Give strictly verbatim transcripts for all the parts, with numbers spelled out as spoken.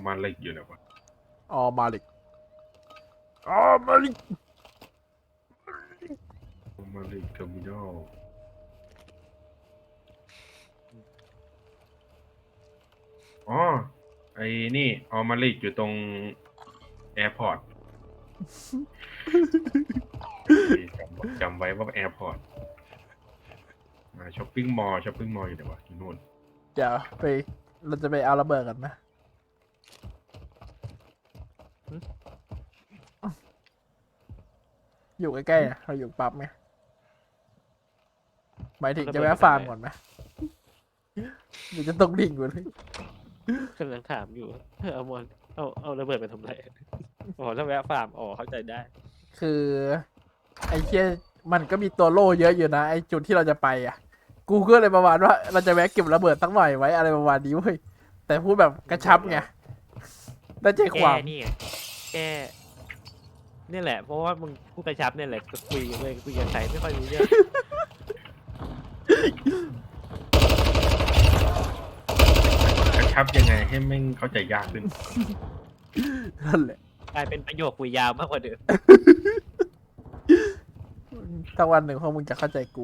มาเล็กอยู่นะวะอ๋อมาลิกอ๋อมาลิกมาเล็กเทอร์มินอลอ๋อไอ้นี่ออมาเล็กอยู่ตรงแอร์พอร์ตจำจำไว้ว่าแอร์พอร์ตมาช้อปปิ้งมอลล์ช้อปปิ้งมอลล์อยู่ไหนวะที่นู่นเดี๋ยวไปเราจะไปเอาระเบิดกันนะอยู่ใกล้ๆนะเราอยู่ปั๊บไหมหมายถึงจะแวะฟาร์มก่อนไหมหรือจะตกดิ่งอยู่เลยกำลังถามอยู่เอามอนเอาเอาระเบิดไปทำไรอ๋อถ้าแวะฟาร์มอ๋อเข้าใจได้คือไอ้เชี่ยมันก็มีตัวโล่เยอะอยู่นะไอ้จุดที่เราจะไปอ่ะกูก็เลยประมาณว่าเราจะแวะเก็บระเบิดสักหน่อยไว้อะไรประมาณนี้เว้ยแต่พูดแบบกระชับไงได้ใจความแกนี่ไงแกนี่แหละเพราะว่ามึงพูดกระชับเนี่ยแหละก็คุยเลยคุยกับใครไม่ค่อยรู้เรื่องกระชับยังไงให้แม่งเข้าใจยากขึ้นนั่นแหละกลายเป็นประโยคคุยยาวมากกว่าเดิมถ้าวันหนึ่งพวกมึงจะเข้าใจกู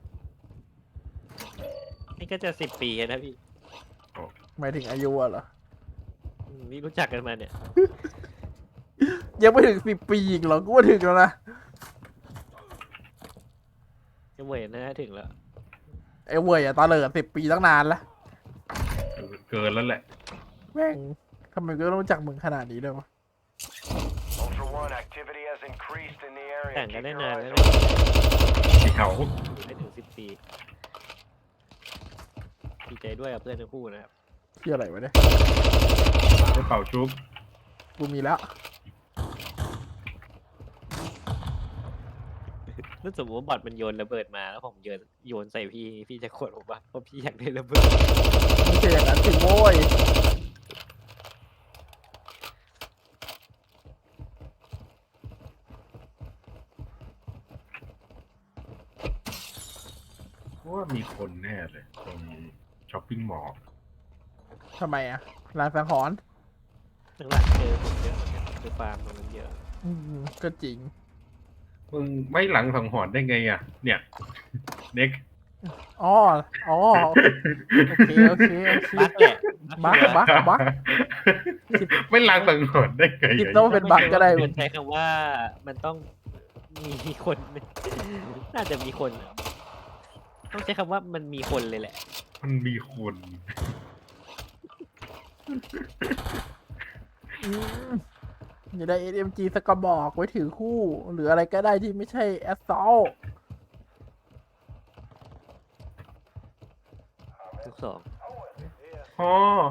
นี่ก็จะสิบปีนะพี่หมายถึงอายุอะเหรอนี่รู้จักกันมาเนี่ยยังไม่ถึงสิบปีอีกเหรอกูว่าถึงแล้วนะยังเหมือนนะถึงแล้วไอ้เว่ยอะตาเหลิดสิบปีตั้งนานแล้วเกินแล้วแหละแม่งทำไมก็ต้องรู้จักมึงขนาดนี้เลยวะแต่งกันได้นานแล้วที่เขาไม่ถึงสิบปีดีใจด้วยกับเพื่อนทั้งคู่นะครับที่อะไรวะเนี่ยได้เป่าชุบกูมีแล้วถ้าสมมติว่าบอทมันโยนระเบิดมาแล้วผมโยนโยนใส่พี่พี่จะโกรธผมปะเพราะพี่อยากได้ระเบิดไม่ใช่อย่างนั้นสิโว้ยว่ามีคนแน่เลยตรงช้อปปิ้งมอลล์ทำไมอะร้านสังหรณ์หลังๆเจอผมเยอะเจอฟาร์มตรงนั้นเยอะอืมก็จริงมึงไม่หลังสังหรณ์ได้ไงอ่ะเนี่ยเน็กอ๋ออ๋อโอเคโอเคโอเคบั๊กแหละบั๊กบั๊กบั๊กไม่หลังสังหรณ์ได้ไงคิดต้องเป็นบั๊กก็ได้ใช้คำว่ามันต้องมีคนน่าจะมีคนต้องใช้คำว่ามันมีคนเลยแหละมันมีคนอย่าได้ เอส เอ็ม จี สักกระบอกไว้ถือคู่หรืออะไรก็ได้ที่ไม่ใช่แอสซอลทุกสองอ๋อ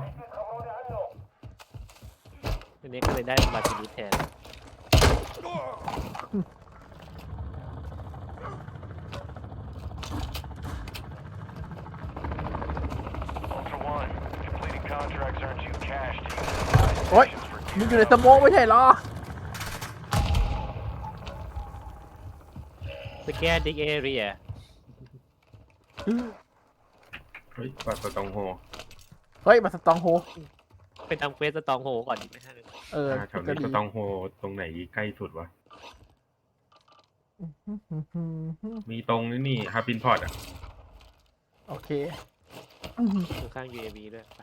ทีนี้ก็เลยได้มาทีนี้แทนโอ๊ยมึงอยู่ในสโมกไม่ใช่เหรอสแกนดิกเอเรียเฮ้ยปาสตองโฮเฮ้ยมาสตองโฮไปทำเควสสตองโฮก่อนดีไหมฮะเออแถวนี้สตองโฮตรงไหนใกล้สุดวะมีตรงนี้นี่ฮาร์ปินพอร์ตอ่ะโอเคข้าง ยู เอ วี ด้วยไป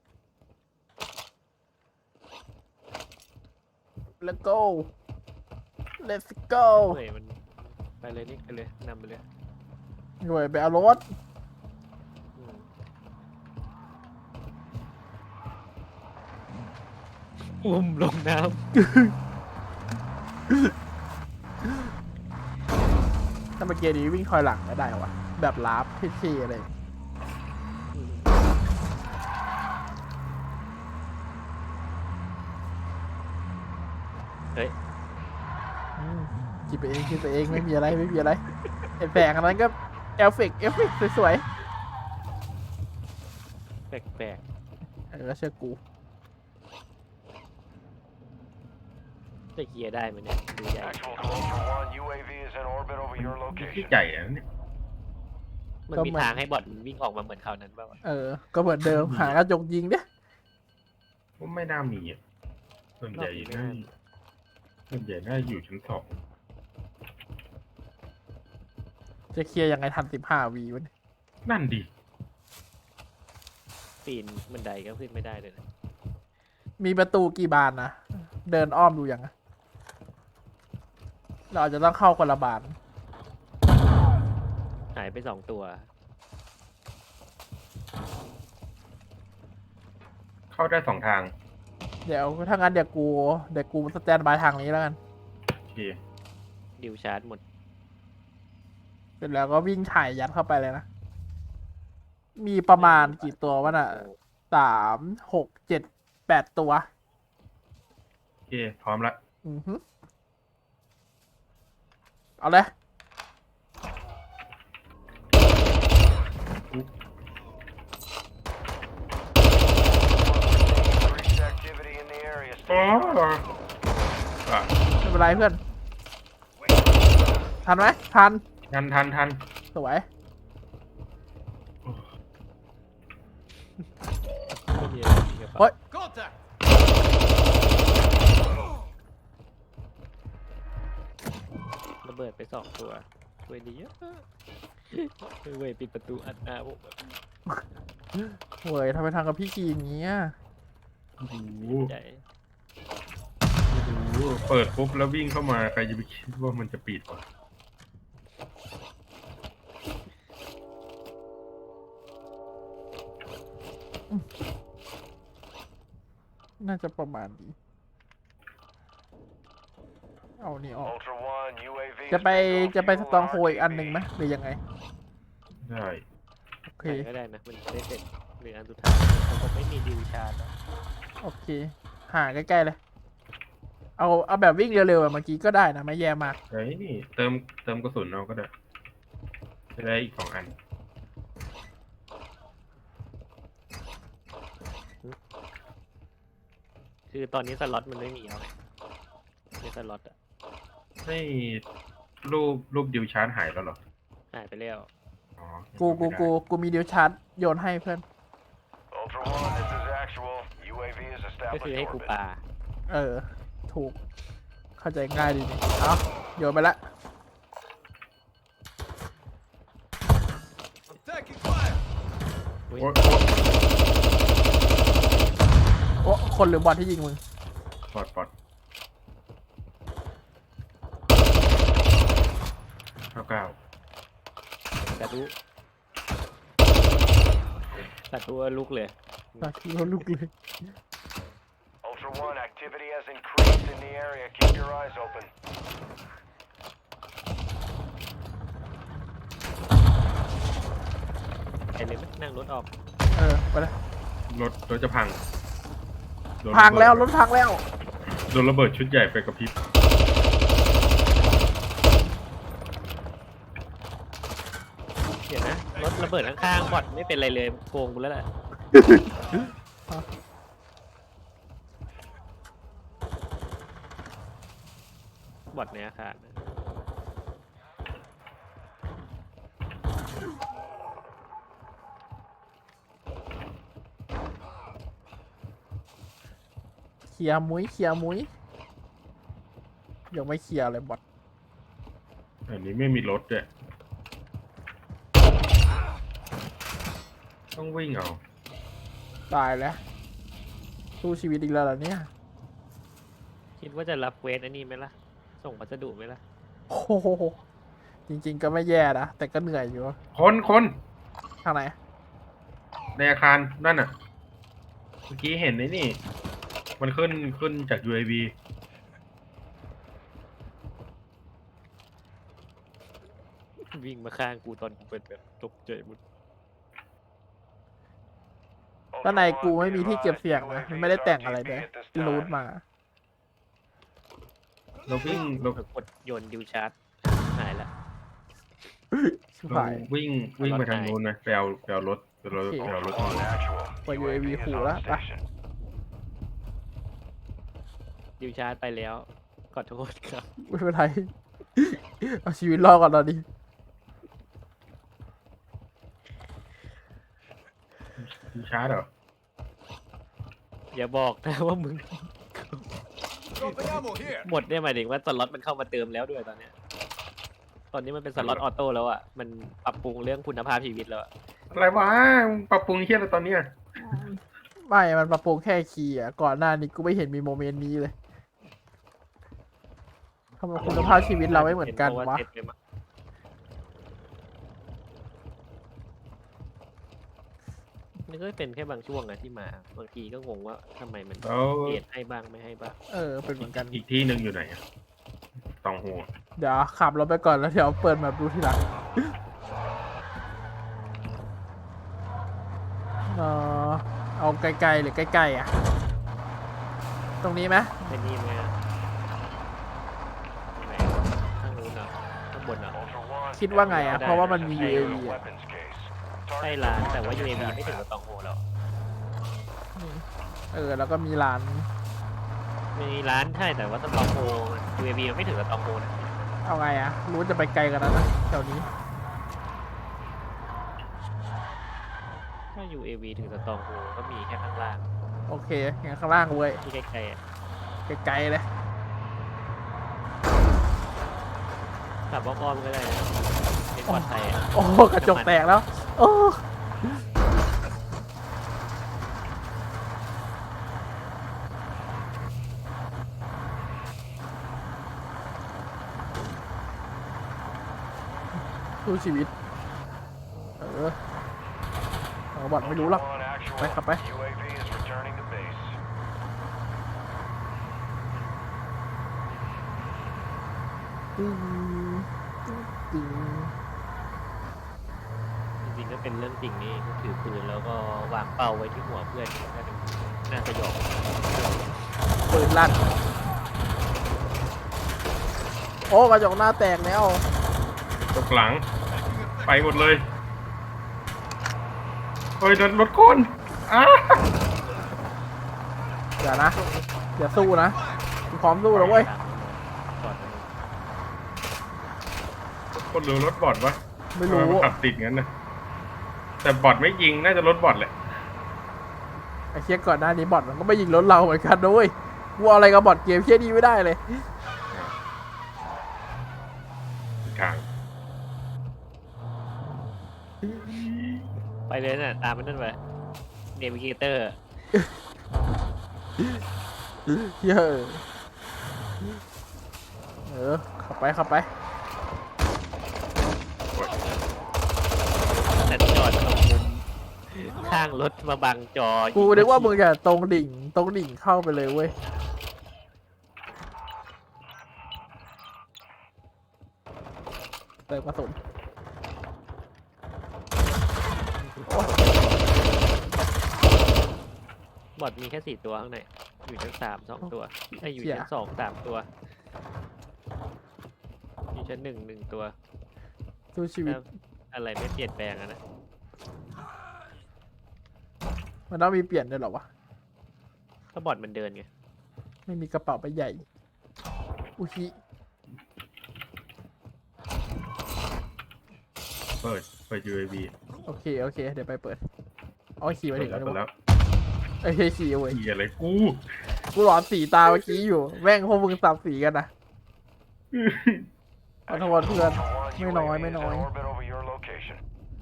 Let's go Let's go เฮ้ยมันไปเลยนี่ไปเลยนำไปเลยหน่วยไปเอารถอุ้มลงน้ำถ้าเมื่อกี้นี้วิ่งคอยหลังก็ได้วะแบบลาฟเท่ๆอะไรเฮ้ยคิดไปเองคิดไปเองไม่มีอะไรไม่มีอะไรไอ้แฝงอันนั้นก็เอฟเฟกต์เอฟเฟกต์สวยๆแปลกๆเออเชื่อกูจะเคลียร์ได้ไหมเนี่ยดูใหญ่ที่ใหญ่อะเนี่ยมันมีทางให้บอทวิ่งออกมาเหมือนคราวนั้นป่าวเออก็เหมือนเดิมหากระจกยิงเนี่ยว่าไม่น่ามีอ่ะส่วนใหญ่น่าส่วนใหญ่น่าอยู่ชั้นสองจะเคลียร์ยังไงทันสิบห้าวีวะเนี่ยนั่นดิปีนบันไดก็ขึ้นไม่ได้เลยนะมีประตูกี่บานนะ เดินอ้อมดูยังอะเราอาจจะต้องเข้าคนละบานหายไปสองตัวเข้าได้สองทางเดี๋ยวถ้างั้นเดี๋ยวกูเดี๋ยวกูสแตนบายทางนี้แล้วกันโอเคดิวชาร์จหมดเสร็จแล้วก็วิ่งถ่ายยัดเข้าไปเลยนะ มีประมาณกี่ตัววะน่ะสามหกเจ็ดแปดตัวโอเค พร้อมละอือฮึเอาเลย Increased activity in the area. อ๋ออ่ะไม่เป็นไรเพื่อน ทันไหมทันทันทันทันสวยไม่มีอะไรในกระโอ๊เป๋าย ระเบิดไปสองตัวช่วยดีเยอะเว้ยปิดประตูอัดหน้าผมแบบเว้ยทำไมทางกับพี่กีอย่างเงี้ยโอ้โหใจโอ้โหเปิดปุ๊บแล้ววิ่งเข้ามาใครจะไปคิดว่ามันจะปิดวะน่าจะประมาณนี้ เอานี่ออก Ultra One, U A V. จะไปจะไปสตองโฮอีกอันหนึ่งไหมหรือยังไงได้โอเคไหนก็ได้นะ มันจะได้เสร็จหรืออันสุดท้ายผมก็ไม่มีดิวชาร์จแล้วโอเค หาใกล้ๆเลย เอาเอาแบบวิ่งเร็วๆแบบเมื่อกี้ก็ได้นะ ไม่แย่มากเฮ้ยนี่เติมเติมกระสุนเอาก็ได้จะได้อีกสองอันคือตอนนี้สล็อตมันไม่มีเอาไงในสล็อตอะให้รูปรูปดิวชาร์จหายแล้วเหรอหายไปแล้วอ๋อกูกูกูกูมีเดียวชาร์จโยนให้เพื่อน Ultra One, this is actual. U A V is ก็คือ established ให้กู orbit. ปาเออ ถูก เข้าใจง่ายดีนี่เอาโยนไปละอุ๊ยโอ๊ยโอ้คนหรือบอลที่ยิงมึงปลอดปลอดเก้าเก้าสาธุสาธุลุกเลยตาคิวลูกเลย Ultra One, activity has increased in the area. Keep your eyes open. ไปเลยไหมนั่งรถออกเออ ไปเลยรถรถจะพังโดนพังแล้วระรเบิดถพังแล้วโดนระเบิดชุดใหญ่ไปกับพริบเดี๋ยวนะ รถระเบิดข้างๆบอดไม่เป็นไรเลยโกงกูแล้วแหละบอดในอาคารนะเคลียร์มุ้ยเคลียร์มุ้ยยังไม่เคลียร์เลยบอทอันนี้ไม่มีรถด้วยต้องวิ่งเอาตายแล้ว สู้ชีวิตอีกแล้วเหรอเนี่ยคิดว่าจะรับเวสอันนี้ไหมล่ะ ส่งพัสดุไหมล่ะโอ้โหจริง ๆ ก็ไม่แย่นะ แต่ก็เหนื่อยอยู่คนคนทางไหนในอาคารนั่นน่ะ เมื่อกี้เห็นไอ้นี่ มันขึ้นขึ้นจาก ยู เอ วีวิ่งมาข้างกูตอนกูเป็นแบบตกใจหมดด้านในกูไม่มีที่เก็บเสียงนะมันไม่ได้แต่งอะไรเลยรูทมาเราวิ่งเราเออกดโยนดิวชาร์จหายละชิบเราหายวิ่งวิ่งไปทางนู้นนะไปเอาไปเอารถไปเอารถโอเคไปเอารถ On actual. Well, U A V U A V is cool, on huh? station. ดิวชาร์จไปแล้วขอโทษครับไม่เป็นไร เอาชีวิตรอดก่อนตอนนี้ดิวชาร์จเหรออย่าบอกนะว่ามึง Dropping ammo here. หมดเนี่ยหมายถึงว่าสล็อตมันเข้ามาเติมแล้วด้วยตอนเนี้ยตอนนี้มันเป็นสล็อตออโต้แล้วอ่ะมันปรับปรุงเรื่องคุณภาพชีวิตแล้วอะอะไรวะมึงปรับปรุงเฮียอะไรตอนเนี้ยไม่มันปรับปรุงแค่คีย์อ่ะก่อนหน้านี้กูไม่เห็นมีโมเมนต์นี้เลยทำไมคุณภาพชีวิตเราไม่เหมือนกันพราวะเซ็ตเลยมั้งมันก็เป็นแค่บางช่วงอะที่มาบางทีก็งงว่าทำไมมันแล้วเกรดให้บ้างไม่ให้บ้างเออเป็นเหมือนกันอีกที่หนึ่งอยู่ไหนอะตองหัวเดี๋ยวขับรถไปก่อนแล้วเดี๋ยวเปิดแบบดูทีหลังเออเอาไกลๆหรือใกล้ๆอ่ะ ตรงนี้ไหมเป็นนี่ไหมอะไหนข้างนู้นเหรอข้างบนเหรอ Ultra One, คิดว่าไงอ่ะ เพราะว่ามันมี ยู เอ secure วี the อ่ะ weapons case. ใช่ Target ร้าน the แต่ว่า bomb ยู เอ with วี your ไม่ถึง attack กับตองโฮแล้วเออ แล้วก็มีร้านมีร้านใช่แต่ว่าสตองโฮยูเอวีมันไม่ถึงกับตองโฮนะเอาไงอ่ะ รู้จะไปไกลกันแล้วนะแถวนี้ถ้า ยู เอ วี ถึงสตองโฮก็มีแค่ข้างล่างโอเคงั้นข้างล่างเว้ยที่ใกล้ๆอะไกลๆเลยขับอ้อมๆก็ได้นะเป็นปลอดภัยอะโอ้กระจกแตกแล้ว โอ้สู้ชีวิต เออเอาบอดไม่รู้หรอก Ultra One, actual. ไปขับไปยู เอ วี is returning to base. ตึ้งตึ้งจริงๆก็เป็นเรื่องจริงนี่ถือปืนแล้วก็วางเป้าไว้ที่หัวเพื่อนน่าจะน่าสยองปืนลั่น โอ้กระจกหน้าแตกแล้วตกหลัง ไปหมดเลยเฮ้ยรถรถคนอ้าอย่านะ อย่าสู้นะกูพร้อมสู้แล้วเว้ยก่อนคนหรือรถบอดวะไม่รู้ทำนขับติดงั้นนะแต่บอดไม่ยิงน่าจะรถบอดแหละไอ้เชี่ยก่อนหน้านี้บอทมันก็ไม่ยิงรถเราเหมือนกันนะเว้ยกูเอาอะไรกับบอทเกมเชี่ยนี้ไม่ได้เลยกลางไปเลยน่ะตามมันนั่นไปเนวิเกเตอร์เยอะเออขับไปขับไปแต่จอดตรงมุมข้างรถมาบังจอกูนึกว่ามึงจะตรงดิ่งตรงดิ่งเข้าไปเลยเว้ยเติมกระสุนโอ้ยบอดมีแค่สี่ตัวข้างในอยู่ชั้นสามสองตัวไอ้ยอยู่ชั้นสองสามตัวอยู่ชั้นหนึ่งหนึ่งตัวสู้ชีวิตถ้าอะไรไม่เปลี่ยนแปลงอะนะมันต้องมีเปลี่ยนด้วยเหรอวะก็บอดมันเดินไงไม่มีกระเป๋าใบใหญ่ อุชิเปิดเปิด ยู เอ วีโอเค โอเค เดี๋ยวไปเปิดเอาขี่ไปเปิถึดงแล้วแล้วเปิดแล้วไอ้เฮ้ยขี่เว้ยเฮียอะไรกูกูหลอนสีตาเมื่อกี้อยู่ แม่งพวกมึงสับสีกันนะขอโทษเพื่อน Ultra One, ไม่น้อย U A V ไม่ is น้อย in orbit over your location.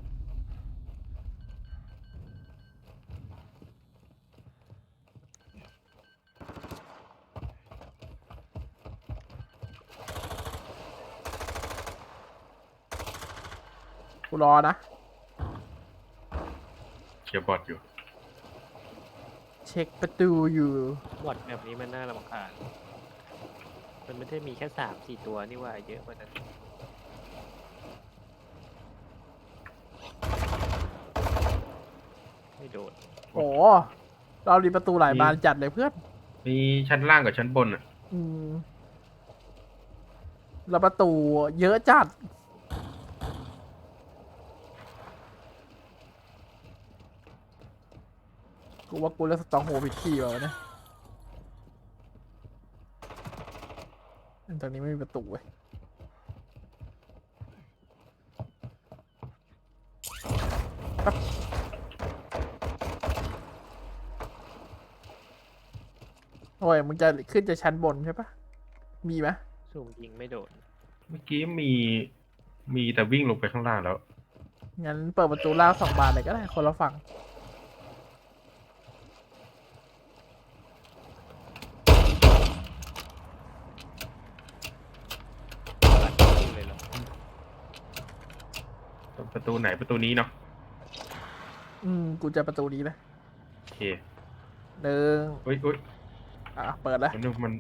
กูรอนะเชียร์บอดอยู่เช็คประตูอยู่บอดแบบนี้มันน่ารำคาญมันไม่ได้มีแค่สามสี่ตัวนี่ว่าเยอะกว่านั้นไม่โดนโอ้เรารีประตูหลายบานจัดเลยเพื่อนมีชั้นล่างกับชั้นบนอ่ะอืมแล้วประตูเยอะจัด กูว่ากูเลือกสตองโฮผิดที่ว่ะเนี่ยตรงนี้ไม่มีประตูเว้ยปั๊บโอ้ยมึงจะขึ้นจะชั้นบนใช่ปะมีไหมซูมยิงไม่โดนเมื่อกี้มีมีแต่วิ่งลงไปข้างล่างแล้วงั้นเปิดประตูล่างสองบานเลยก็ได้คนละฝั่งยิงเลยเหรอประตูไหนประตูนี้เนาะอืมกูจะประตูนี้เลยโอเคหนึ่งเฮ้ยเฮ้ยอ่ะเปิดแล้วมันมัน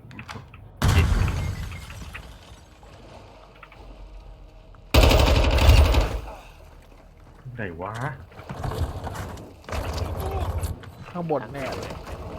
ไหนวะข้างบนแน่เลย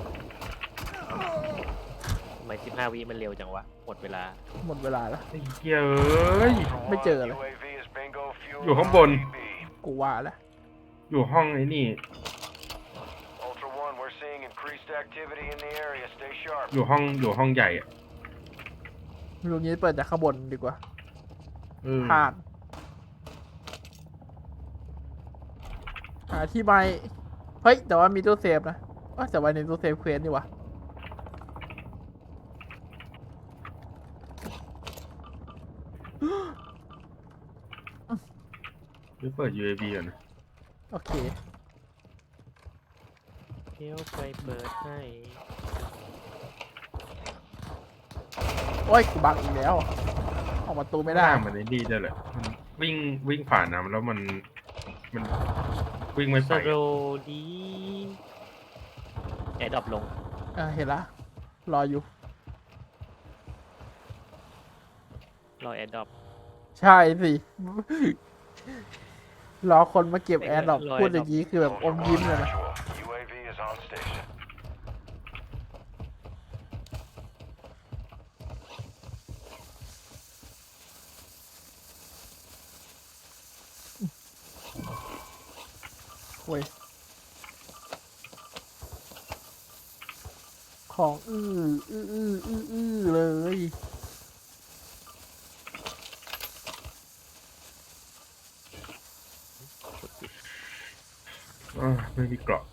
ทำไมสิบห้าวิมันเร็วจังวะ หมดเวลาหมดเวลาแล้วไอ้เหี้ยเอ้ยไม่เจอเลย U A V is bingo fuel. อยู่ข้างบน B. กูว่าแล้วอยู่ห้องไอ้นี่ Ultra One, we're seeing increased activity in the area. Stay sharp. อยู่ห้องอยู่ห้องใหญ่อะลุงนี้เปิดจากข้างบนดีกว่าเออผ่านหาที่ใบเฮ้ย แต่ว่ามีตู้เซฟนะว่าแต่ว่าในตู้เซฟเควสนี่วะหรือเปิด ยู เอ วี ก่อนนะโอเคเดี๋ยวไปเปิดให้โอ้ยกูบังอีกแล้ว ออกประตูไม่ได้หน้ามันไอ้นี่ได้เลยมันวิ่งวิ่งผ่านน้ำแล้วมันมันวิ่งไม่สไปโรดีแอร์ดรอปลงเออเห็นละ รออยู่รอแอร์ดรอปใช่สิ รอคนมาเก็บแอร์ดรอปรอพูดอย่างนี้คือแบบอ Ultra ม One, ยิ้มเลยนะ actual. U A V is on station. โว้ยของอื้ออื้ออื้ออื้ออื้อเลยอ่าไม่มีเกราะ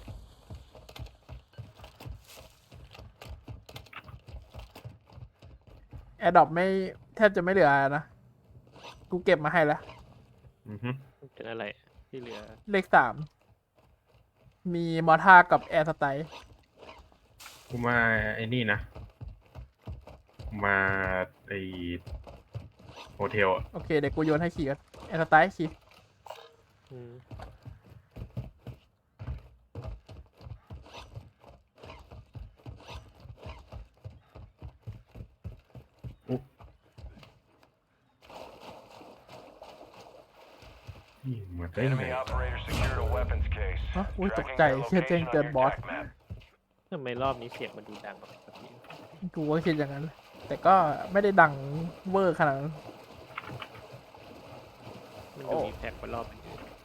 แอร์ดรอปไม่แทบจะไม่เหลือนะ กูเก็บมาให้แล้วอือฮึเป็นอะไรที่เหลือเลขสาม มีมอท่ากับแอร์สไตล์กูมาไอ้นี่นะ มาไอโฮเทลอะโอเค เดี๋ยวกูโยนให้ขี่กันแอร์สไตล์ขี่อืมนี่มาได้ไง Enemy operator secured a weapons case. ฮะอุ้ยตก Tracking ใจ their เชื่อแจ้ง location เตือน on บอ your ส attack map. ทำไมรอบนี้เสียงมันดูดังกว่าปกติกูก็คิดอย่างนั้น แต่ก็ไม่ได้ดังเวอร์ขนาดนั้นมันโอ้ดูมีแพ็กกว่ารอบอื่น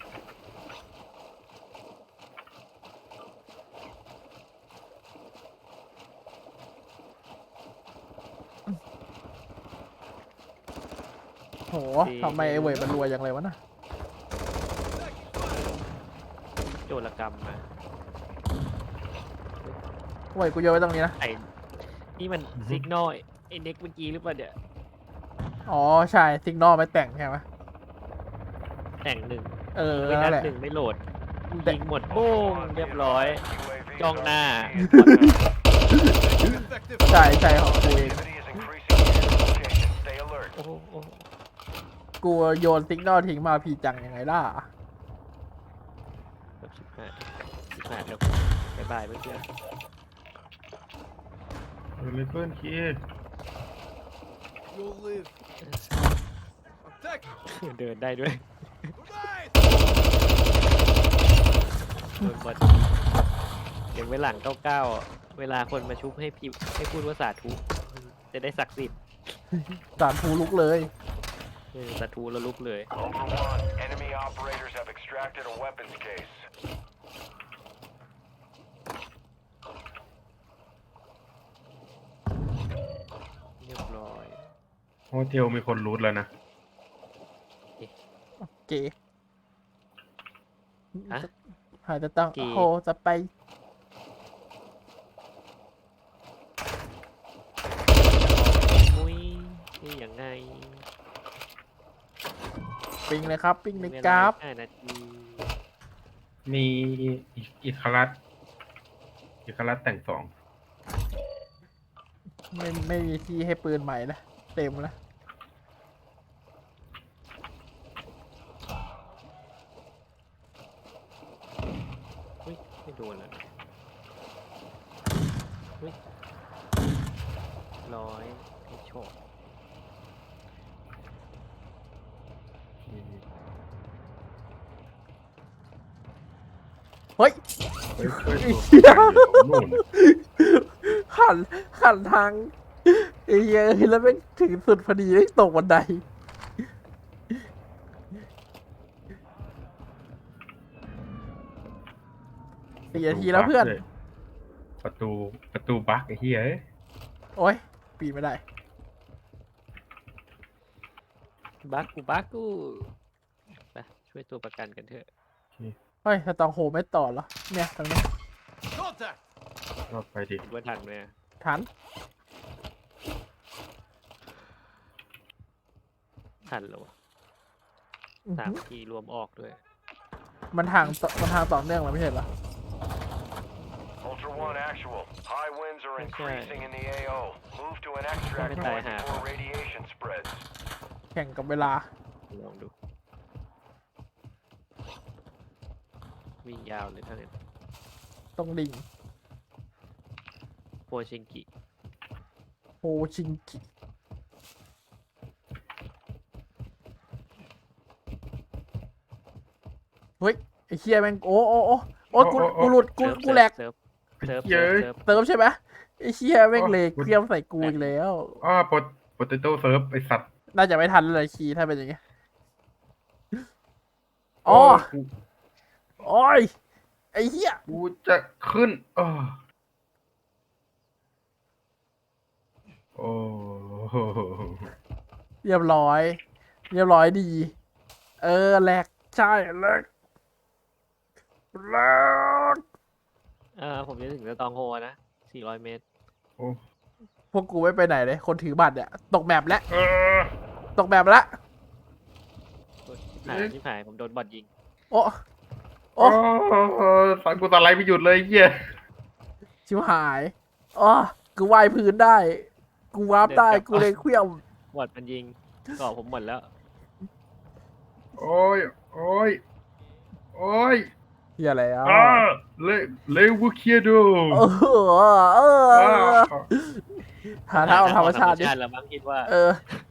โหทำไมไอ้เวยมันรวยอย่างไรวะนะโจรกรรมมาเวยกูโยนไว้ตรงนี้นะไอ้นี่มันซิกนอลไอ้เน็กเมื่อกี้หรือเปล่าเนี่ยอ๋อ ใช่ซิกนอลไม่แต่งใช่ไหมแต่งหนึ่งเออไม่นั่นันดแหละหนึ่งไม่โหลดกูแต่ยิงหมดโป้งเรียบร้อย U A V is Trong R P G na. is contact. Effective. ใช่ใช่ของกูเอง Activity is increasing in your location. Stay alert. โอ้โหโอ้โหกูโยนซิกนอลทิ้งมาพีจังยังไงล่ะแบบสิบห้าสิบห้าแล้วบ๊ายบายเพื่อนเออเลเฟิลคี You'll live. Attack. เดินได้ด้วย Goodbye. โดนบอลเดี๋ยวไว้หลังเก้าเก้าเวลาคนมาชุบให้พิมพ์ให้พูดว่าสาธุจะได้ศักดิ์สิทธิ์สารภูลุกเลยเออสาธุแล้วลุกเลย Ultra One, enemy operators have extracted a weapons case. เรียบร้อยโฮเทลมีคนรูทแล้วนะเก๋ฮะหาจะต้องเก๋โอ้โหจะไปนี่ยังไงปิงเลยครับ ปิงในเวกลาราฟห้านาทีมีอีกอีกคารัสอีกคารัสแต่งสองไม่ไม่มีที่ให้ปืนใหม่นะเต็มแล้วอุ้ยไม่โดนเลยอุ้ยร้อยให้โชคเฮ้ยเฮ้ยเฮ้ยไอ้ตัวเหี้ยประกันอยู่นู่นหันหันทางไอ้เหี้ยแล้วไม่งถึงสุดพอดีได้ตกบันไดสี่นาทีแล้วเพื่อนประตูประตูบั๊กไอ้เหี้ยเอ้ยโอ้ยปีนไม่ได้บักกูบักกูไปช่วยตัวประกันกันเถอะเฮ้ยสตองโฮไม่ต่อเหรอ เนี่ยตรงนี้ Contact! ก็ไปดิคิดว่าทันไหมอะทันทันเหรอวะอื้อสามหือทีรวมออกด้วยมันทางต่อมันทางต่อเนื่องเลยไม่ใช่เหรอ Ultra One actual. High winds are Okay. increasing in the A O. Move to an extract Comment point I have. before radiation spreads. แข่งกับเวลาลองดู วิ่งยาวเลยเท่านั้นตรงดิ่งโพชิงกิโฮชิงกิเฮ้ย ไอ้เคียแม่งโอ้โอ้โอ้โอ้กูกูหลุดกูเซิร์ฟกูแหลกเซิร์ฟเซิร์ฟเย้เซิร์ฟยเซิร์ฟเติมใช่ไหมไอ้เคียแม่งเลยเคลียมใส่กูอีกแล้วอ้าโปโปเตโต้เซิร์ฟไอสัตว์น่าจะไม่ทันเลยคีถ้าเป็นอย่างเงี้ยอ๋อกูโอ้ย ไอ้เหี้ยกูจะขึ้นอ้อโอ้โหเรียบร้อย เรียบร้อยดี เออแหลกใช่แหลกแหลกเอ่าผมจะถึงสตองโฮนะสี่ร้อยเมตรโอ้พวกกูไม่ไปไหนเลย คนถือบัตรเนี่ย ตกแมปแล้วเออตกแมปแล้วหายที่หายผมโดนบอดยิงโอ้โอ้โอ้สังกูตะไลไม่หยุดเลยไอ้เหี้ยชิวหายอ๋อกูว่ายพื้นได้ กูวาร์ปได้ กูเลยเคลี้ยวบอดมันยิงเกาะผมหมดแล้วโอ้ยโอ้ยโอ้ยเฮียอะไรอ่ะอ่าเลเลวูเคียโดเออเอออ่าหาทางออกธรรมชาติดิธรรมชาติแล้วมั้งคิดว่าเออ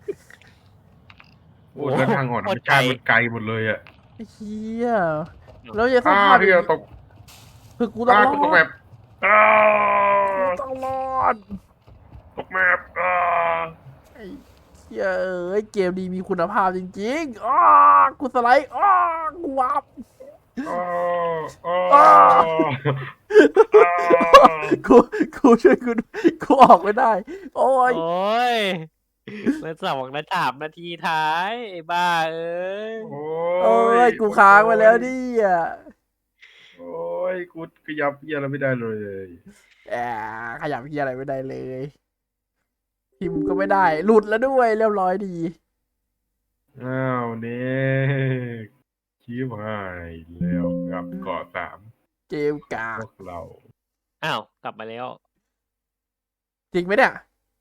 โอ้แล้วทางหอนธรรมชาติมันไกลหมดเลยอ่ะเฮียแล้วจะสอ่าภาพเฮียตกคือกูต้องอ่ารอกูดตกแบบอ่ากูต้องรอดตกแมปอ่าไอ้เฮียเอ้ยเกมดีมีคุณภาพจริงๆอ้ากูสไลด์อ้ากูวาร์ปอ่าอ่าอ่าอ่ากูกูช่วยกูด้วยกูออกไม่ได้ โอ้ยโอ้ยมันสองนาทีสามนาทีท้ายไอ้บ้าเอ้ยโอ้โอ้ยกูค้างไปแล้วดิอ่ะโอ้ยกูขยับเฮียอะไรไม่ได้เลยแอบขยับเฮียอะไรไม่ได้เลยพิมพ์ก็ไม่ได้ หลุดแล้วด้วยเรียบร้อยดีอ้าวเนี่ยชิบหายแล้วกับเกาะสามเกมกาพวกเราอ้าวกลับมาแล้วจริงไหมเนี่ย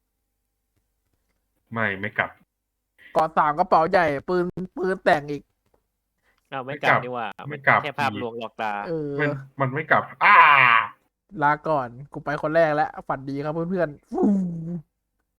ไม่ไม่กลับก่อนสามกระเป๋าใหญ่ ปืนปืนแต่งอีกอ้าวไม่ไม่กกลัลับบ ดีกว่าไม่กลับแค่ภาพลวงหลอกตาเออมันมันไม่กลับ อ้าลาก่อน กูไปคนแรกแล้ว ฝันดีครับเพื่อนๆฟู